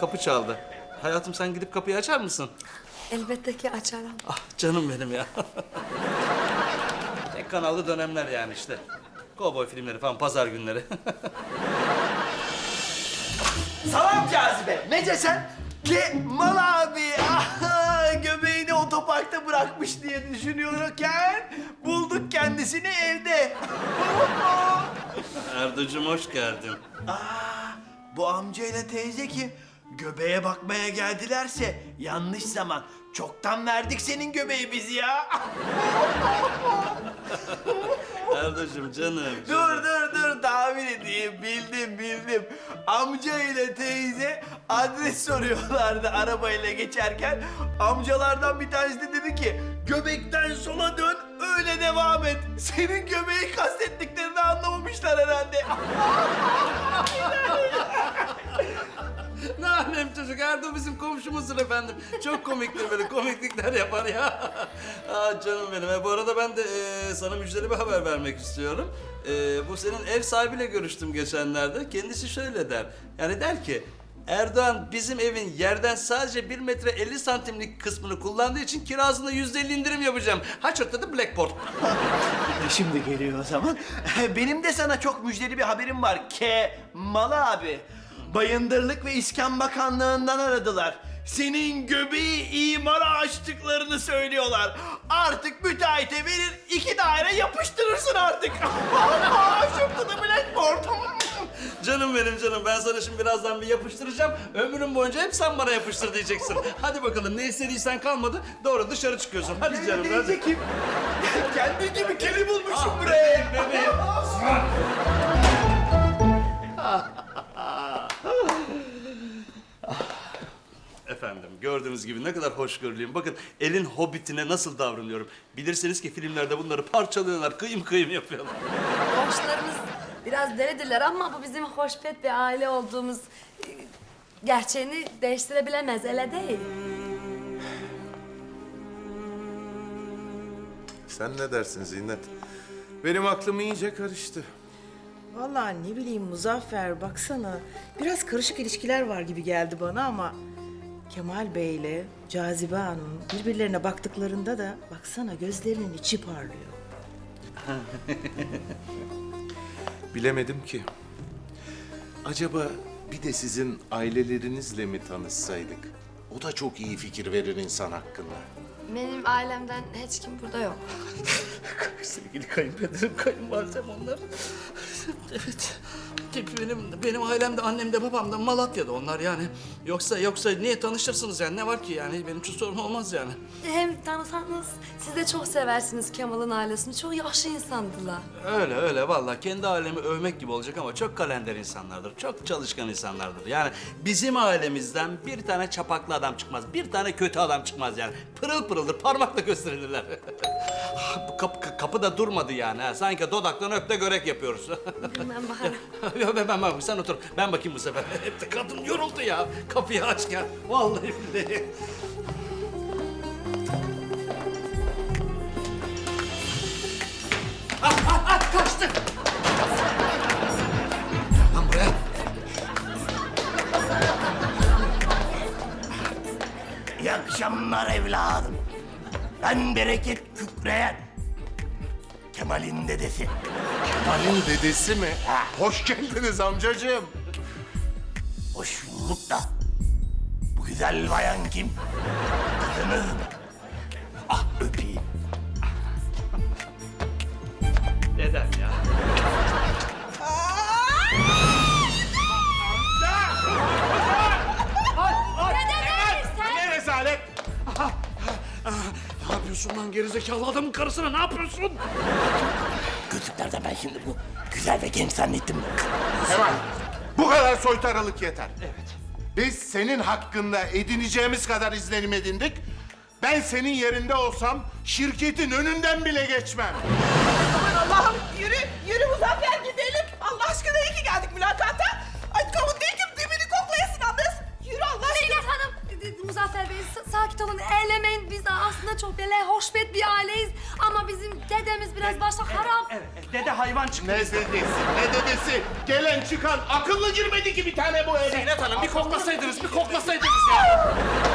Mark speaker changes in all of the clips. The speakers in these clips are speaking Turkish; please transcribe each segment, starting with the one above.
Speaker 1: kapı çaldı. Hayatım sen gidip kapıyı açar mısın?
Speaker 2: Elbette ki açarım.
Speaker 1: Ah canım benim ya. Tek kanallı dönemler yani işte. Kovboy filmleri falan pazar günleri.
Speaker 3: Salam Cazibe. Nece sen? Kemal abi göbeğini otoparkta bırakmış diye düşünüyorken bulduk kendisini evde.
Speaker 1: Erdocum hoş geldin.
Speaker 3: Bu amcayla teyze kim? Göbeğe bakmaya geldilerse yanlış zaman. Çoktan verdik senin göbeği biz ya.
Speaker 1: Erdocum canım.
Speaker 3: Dur tahmin edeyim bildim. Amca ile teyze adres soruyorlardı arabayla geçerken. Amcalardan bir tanesi de dedi ki göbekten sola dön öyle devam et. Senin göbeği kastettiklerini anlamamışlar herhalde.
Speaker 1: Ne alem çocuk. Erdo bizim komşumuzdur efendim. Çok komiktir böyle komiklikler yapar ya. Canım benim. Bu arada ben de sana müjdeli bir haber vermek istiyorum. Bu senin ev sahibiyle görüştüm geçenlerde. Kendisi şöyle der. Yani der ki Erdoğan bizim evin yerden sadece 1 metre 50 santimlik kısmını kullandığı için kirasında %50 indirim yapacağım. Ha çatladı Blackboard.
Speaker 3: Şimdi geliyor o zaman. Benim de sana çok müjdeli bir haberim var. Kemal abi. Bayındırlık ve İskan Bakanlığı'ndan aradılar. Senin göbeği imara açtıklarını söylüyorlar. Artık müteahhite verir 2 daire yapıştırırsın artık. Şurada da Blackboard.
Speaker 1: Canım benim canım. Ben sana şimdi birazdan bir yapıştıracağım. Ömrüm boyunca hep sen bana yapıştır diyeceksin. Hadi bakalım ne istediysen kalmadı. Doğru dışarı çıkıyorsun. Hadi canım hadi.
Speaker 3: Teyze kim? Kendi gibi keli bulmuşum buraya.
Speaker 1: Bebeğim. Efendim gördüğünüz gibi ne kadar hoşgörülüyüm. Bakın elin hobbitine nasıl davranıyorum. Bilirsiniz ki filmlerde bunları parçalıyorlar, kıyım kıyım yapıyorlar.
Speaker 2: Komşularımız biraz delidirler ama bu bizim hoşbet bir aile olduğumuz gerçeğini değiştirebilemez, öyle değil.
Speaker 4: Sen ne dersin Zinnet? Benim aklım iyice karıştı.
Speaker 5: Vallahi ne bileyim Muzaffer baksana. Biraz karışık ilişkiler var gibi geldi bana ama... Kemal Bey'le Cazibe Hanım birbirlerine baktıklarında da baksana gözlerinin içi parlıyor.
Speaker 4: Bilemedim ki. Acaba bir de sizin ailelerinizle mi tanışsaydık? O da çok iyi fikir verir insan hakkında.
Speaker 2: Benim ailemden hiç kim burada yok.
Speaker 1: Sevgili kayınpederim, kayınvalidem onlar. Evet. Benim ailemde, annem de babam da Malatya'da onlar yani. Yoksa niye tanışırsınız yani? Ne var ki yani? Benim için sorun olmaz yani.
Speaker 2: Hem tanısanız siz de çok seversiniz Kemal'ın ailesini. Çok yaşlı insandılar.
Speaker 1: Öyle vallahi kendi ailemi övmek gibi olacak ama çok kalender insanlardır. Çok çalışkan insanlardır. Yani bizim ailemizden bir tane çapaklı adam çıkmaz. Bir tane kötü adam çıkmaz yani. Pırıl pırıldır, parmakla gösterirler. Bu kapı da durmadı yani. Ha. Sanki dodaktan öp de görek yapıyoruz.
Speaker 2: Ben bakarım.
Speaker 1: Ben bakayım, sen otur. Ben bakayım bu sefer. Hep de kadın yoruldu ya. Kapıyı açken. Vallahi billahi. Kaçtı. Lan buraya.
Speaker 3: İyi akşamlar evladım. Ben Bereket Kükreyen. Kemal'in dedesi.
Speaker 4: Kemal'in dedesi mi? Hoş geldiniz amcacığım.
Speaker 3: Hoş bulduk da. Bu güzel bayan kim? Kızınız mı? Ah öpeyim.
Speaker 1: Neden ya?
Speaker 4: Ne rezalet!
Speaker 1: Ne yapıyorsun lan gerizekalı adamın karısına ne yapıyorsun?
Speaker 3: Gözlüklerden ben şimdi bu güzel ve genç zannettim.
Speaker 4: Kemal, bu kadar soytarılık yeter. Evet. Biz senin hakkında edineceğimiz kadar izlenim edindik. Ben senin yerinde olsam şirketin önünden bile geçmem.
Speaker 6: Aman Allah'ım yürü Muzaffer gidelim. Allah aşkına iyi ki geldik mülakata. Ay kavun değil ki dibini koklayasın anlasın. Yürü Allah aşkına.
Speaker 2: Zeynep Hanım, Muzaffer Bey sakin kapitolunu eylemeyin. Biz aslında çok böyle hoşbet bir aileyiz. Ama bizim dedemiz biraz başta harap.
Speaker 3: Dede hayvan çıktı.
Speaker 4: Ne dedesi, ne dedesi? Gelen çıkan akıllı girmedi ki bir tane bu eve.
Speaker 1: Zeynep Hanım bir koklasaydınız ya.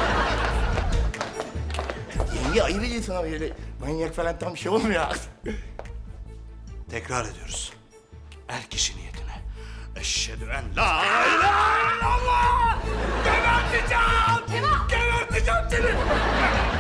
Speaker 7: Yenge ayıp ediyorsun ama öyle manyak falan tam bir şey olmuyor.
Speaker 1: Tekrar ediyoruz. Er kişi niyetine. Eşhedü en la ilahe illallah! Geberteceğim! Geberteceğim seni!